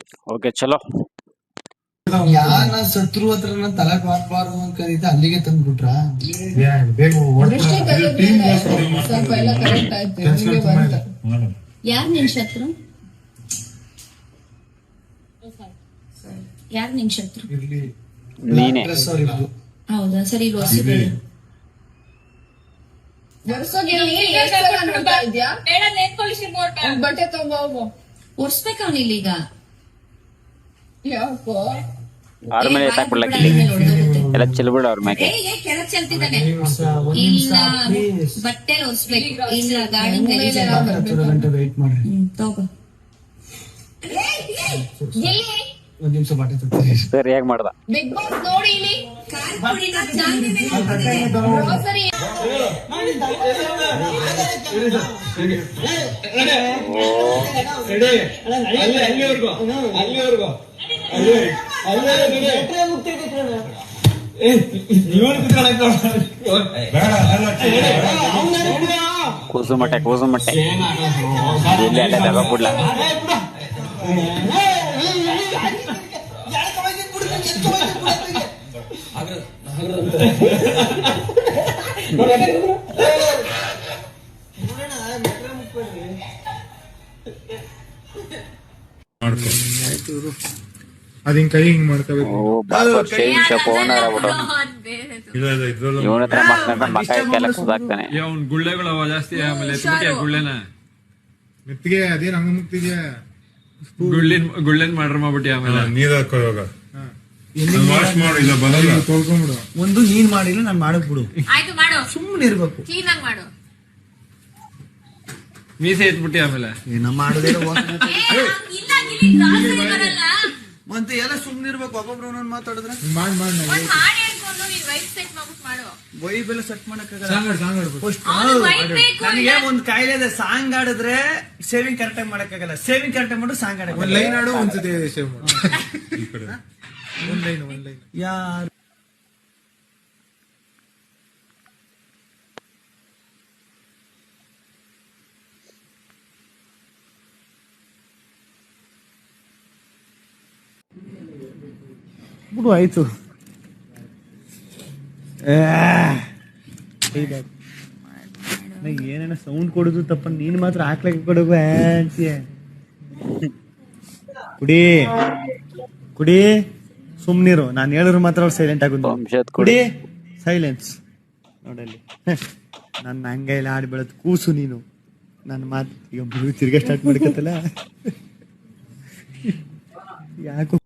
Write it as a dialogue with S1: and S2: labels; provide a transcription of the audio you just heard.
S1: Okay ಚಲೋ.
S2: ಯಾನ ಶತ್ರು ಹತ್ರ ತಲಕ್ ಹಾಕ್ಬಾರ್ದು ಅಂತ ಕರೀತ ಅಲ್ಲಿಗೆ ತಂದ್ಬಿಟ್ರ.
S3: ಯಾರ್ ನಿನ್ ಶತ್ರು? ಯಾರ್ ನಿನ್ ಶತ್ರು?
S1: ನೀನೆ.
S3: ಹೌದಾ? ಸರಿ, ಇಲ್ಲಿ ಒರ್ಸಿಬೇಡಿ. ಬಟ್ಟೆ ತಗೋ, ಒರ್ಸ್ಬೇಕ ಅವನಿಲ್ಲೀಗ. ಯಾಕೋ
S1: ಅವ್ರ ಮೇಲೆ ಎತ್ತಾಕ್ಬಿಡ್ಲಕ್ಕ ಎಲ್ಲ ಚೆಲ್ಬಿಡ ಅವ್ರ ಮ್ಯಾಗೆ.
S3: ಕೆಳಗ್ ಚೆಲ್ತಿದ್ದಾನೆ. ಇಲ್ಲ ಬಟ್ಟೆ ಒರ್ಸ್ಬೇಕು, ಇಲ್ಲ ಗಾಡಿ ತಗೋ.
S2: ಒಂದ್ ನಿಮಿಷ ಬಟ್ಟೆ ತರ್ತೀನಿ.
S1: ಸರಿಯಾಗಿ ಮಾಡ್ದ.
S3: ಬಿಗ್ ಬಾಸ್ ನೋಡಿ ಇಲ್ಲಿ
S1: ಕೂಸು ಮಟ್ಟೆ ಇಲ್ಲಿ ಅಲ್ಲೇ ತಗೋಬಿಡ್ಲ.
S4: ಅದಿನ್ ಕೈ ಹಿಂಗ್ ಮಾಡ್ಕೋಬೇಕು.
S1: ಇವನ ಹತ್ರ ಮಕ್ಕ ಕೆಲಸ ಸುಧಾಕ್ತಾನೆ.
S5: ಅವ್ನ್ ಗುಳ್ಳೆಗಳು ಜಾಸ್ತಿ. ಆಮೇಲೆ ಗುಳ್ಳೆನ
S4: ಮೆತ್ತಿಗೆ ಅದೇನ್ ಹಂಗ ಮುಕ್ತಿಗೆ
S5: ಗುಳ್ಳೆನ್ ಮಾಡ್ರ ಮಾಡ್ಬಿಟ್ಟಿ. ಆಮೇಲೆ
S4: ನೀರ್ ಹಾಕೋ ಇವಾಗ ವಾಶ್ ಮಾಡು, ಇಲ್ಲ ಬರಲ್ಲ ತೊಳ್ಕೊಂಡ್ಬಿಡು.
S2: ಒಂದು ನೀನ್ ಮಾಡಿಲ್ಲ ನಾನ್ ಮಾಡಕ್ ಬಿಡು.
S3: ಆಯ್ತು ಮಾಡು,
S2: ಸುಮ್ಮನೆ ಇರ್ಬೇಕು,
S3: ಕ್ಲೀನ್ ಆಗಿ ಮಾಡು.
S5: ಮೀಸೆ ಎತ್ಬಿಟ್ಟಿ. ಆಮೇಲೆ
S2: ಏನ ಮಾಡೋದೇ
S3: ಬರಲ್ಲ
S2: ಮತ್ತೆ ಎಲ್ಲ ಸುಮ್ಮನೆ ಇರ್ಬೇಕು. ಒಬ್ಬೊಬ್ರು ಒಂದೊಂದು ಮಾತಾಡಿದ್ರೆ
S4: ಮಾಡ್
S2: ವೈಬ್ ಎಲ್ಲ ಸೆಟ್ ಮಾಡಕ್ಕಾಗಲ್ಲ.
S3: ನನಗೆ
S2: ನನಗೆ ಒಂದ್ ಕಾಯಿಲೆ ಇದೆ, ಸಾಂಗ್ ಆಡಿದ್ರೆ ಸೇವಿಂಗ್ ಕರೆಕ್ಟ್ ಆಗಿ ಮಾಡಕ್ಕಾಗಲ್ಲ. ಸೇವಿಂಗ್ ಕರೆಕ್ಟ್ ಆಗಿ ಮಾಡು, ಸಾಂಗ್ ಆಡಕ್ಕೆ
S4: ಒಂದ್ ಲೈನ್ ಆಡು, ಒಂದ್ಸತಿ ಸೇವ್ ಮಾಡು. ಈ ಕಡೆ ಒಂದ್ ಲೈನ್
S2: ಯಾರು ಬಿಡು, ಆಯ್ತು. ಏನೇನ ಸೌಂಡ್ ಕೊಡುದು ತಪ್ಪ, ನೀನ್ ಮಾತ್ರ ಹಾಕ್ಲಕ್ಕೆ ಕೊಡೋದು ಅಂತೀಯ. ಕುಡಿ ಸುಮ್ನಿರು, ನಾನು ಹೇಳಿದ್ರು ಮಾತ್ರ ಅವ್ರು ಸೈಲೆಂಟ್ ಆಗುದು. ಕುಡಿ, ಸೈಲೆನ್ಸ್. ನೋಡಲ್ಲಿ ನನ್ನ ಹಂಗೈಲ್ಲ ಆಡಿ ಬೆಳೆದ್ ಕೂಸು ನೀನು. ನನ್ನ ಮಾತು ಈಗ ತಿರ್ಗಾ ಸ್ಟಾರ್ಟ್ ಮಾಡ್ಕತ್ತಲ್ಲ. ಯಾಕೋ